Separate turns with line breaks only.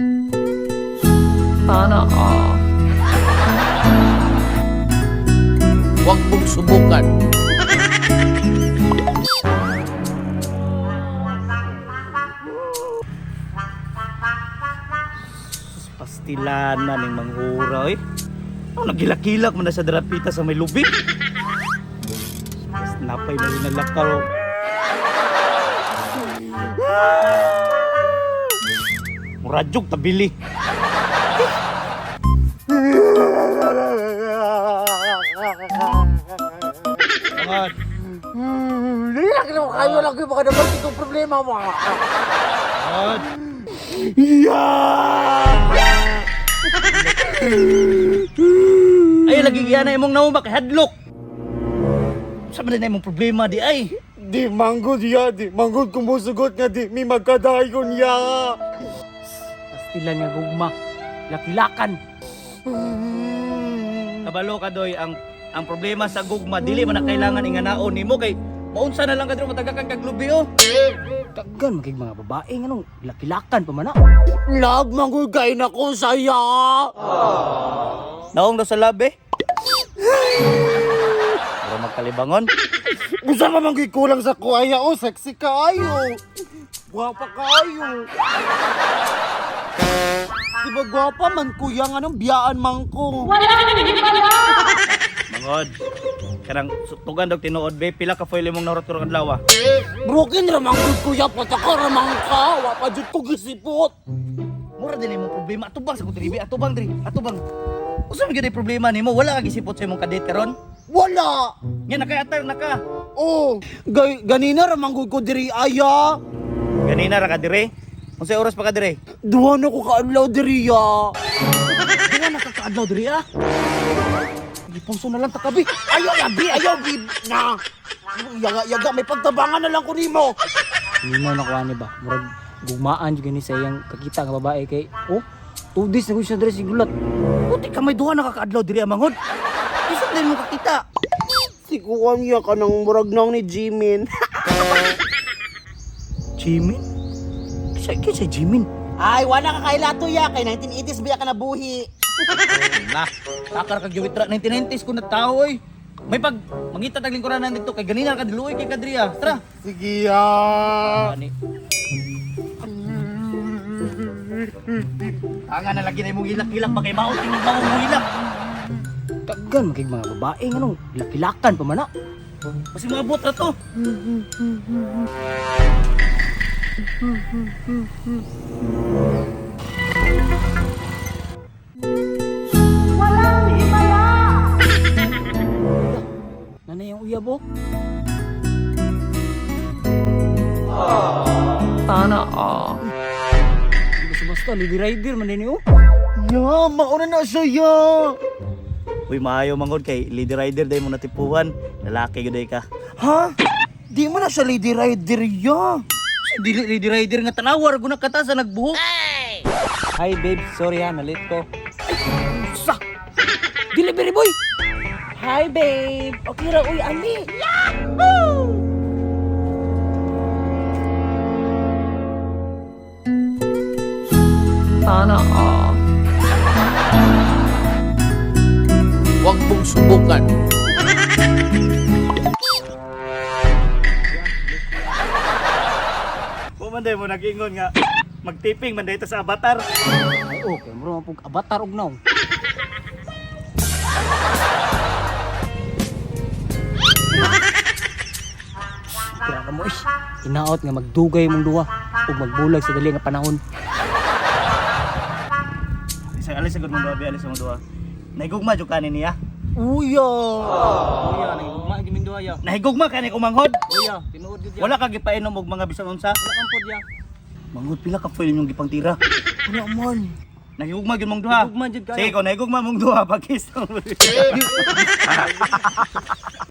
Sana all.
Huwag mong subukan.
Pastilanan ng manghura eh. Ano nagilak-kilak mo na sa darapita sa may lubi. Mas napay na rin nalakaw. Muradyog tabili. Angat.
Laki na kayo lagi baka naman itong problema mo.
Angat. Ay lagi yan na imong naumak headlock. Sa man na imong problema di ay.
Di manggod ya, di manggod kumusugot nga di mi magkadayon ya.
Pastilan nga gugma. Lakilakan.
Kabalo ka doy ang problema sa gugma dili man na kailangan inganaon nimo kay maunsa na lang kadto matagakan kag lubi oh.
Daggan magig mga babae nga nung lakilakan pa man na.
Lag manggod kay na ko saya.
Naong daw sa labi. Pero magkalibangon.
Usa ka man kulang sa kuaya o sexy kaayo. Gwapa kaayo. Di ba gwapa man kuya nga nung biyaan man ko.
Mangod. Karang tugan daw tinuod be pila ka foil imong narot karong adlaw.
Broken ra manggod kuya pataka ra man ka. Wa pa jud ko gisipot.
Mura din imong problema atubang sa kutribi atubang diri atubang. Usa man gyud ay problema nimo wala ka gisipot sa imong kadate karon?
Wala.
Nya naka-attire na ka.
Oh, ganina ra manggod ko diri aya.
Ganina ra ka dire. Unsay oras pa ka dire?
Duha na ko kaadlaw diri ya.
Nga nakakaadlaw diri ah.
Ipuso na lang takabi. Ayaw yabi, ayaw gib na. Yaga may pagtabangan na lang ko nimo.
Nimo na kuha ni ba? Murag gugmaan jud gani sa iyang kakita nga babae kay oh, 2 days na gud siya diri sigulat.
Puti ka may duha nakakaadlaw diri amangod. Isa din mo kakita.
Sikuan ya ka nang murag nang ni Jimin.
Jimin? Kisa Jimin?
Ay, wala ka kailato ya kay 1980s biya ka nabuhi.
Na, takar kag giwitra 1990s ko na tao oy. May pag mangita tag lingkuran dito kay ganina ka diluoy kay kadriya. Tara.
Sige ya.
Ani. Tangan na lagi na imong ilak-ilak pa kay maot tingog mo ilak.
Daggan magig mga babae nga nung lakilakan pa man na.
Kasi maabot ra to.
Nanay yung uyab oh.
Sana all.
Basta-basta lady rider man din oh.
Ya, mauna na siya ya.
Uy, maayo mangod kay lady rider day mo natipuhan. Lalaki gyud ka.
Ha? Di mo na siya lady rider ya.
Dili lady rider nga tanawar guna kata sa nagbuhok.
Hi babe, sorry ha, nalit ko. Sa! Delivery boy! Hi babe! Okay ra, uy, ali!
Sana all.
Huwag mong subukan.
Bumanday mo nag-ingon nga magtiping man dito sa avatar.
Ay, okay, muro mapog avatar og naw. Kaya ka mo, inaot nga magdugay mong duwa ug magbulag sa dali nga panahon.
Alis sa mong duha, alis sa mong duha. Nahigugma jud kanin niya.
Uya.
Uya, nagugma giming duwa ya.
Nahigugma kani kumanghod.
Uya, tinuod gud ya.
Wala ka gipainom og mga bisan unsa.
Wala kang pod ya.
Manghod pila ka foil yung gipang tira.
Wala man.
Nahigugma gyud mong duha.
Nahigugma jud kayo.
Sige, ko nahigugma mong duha pagkis.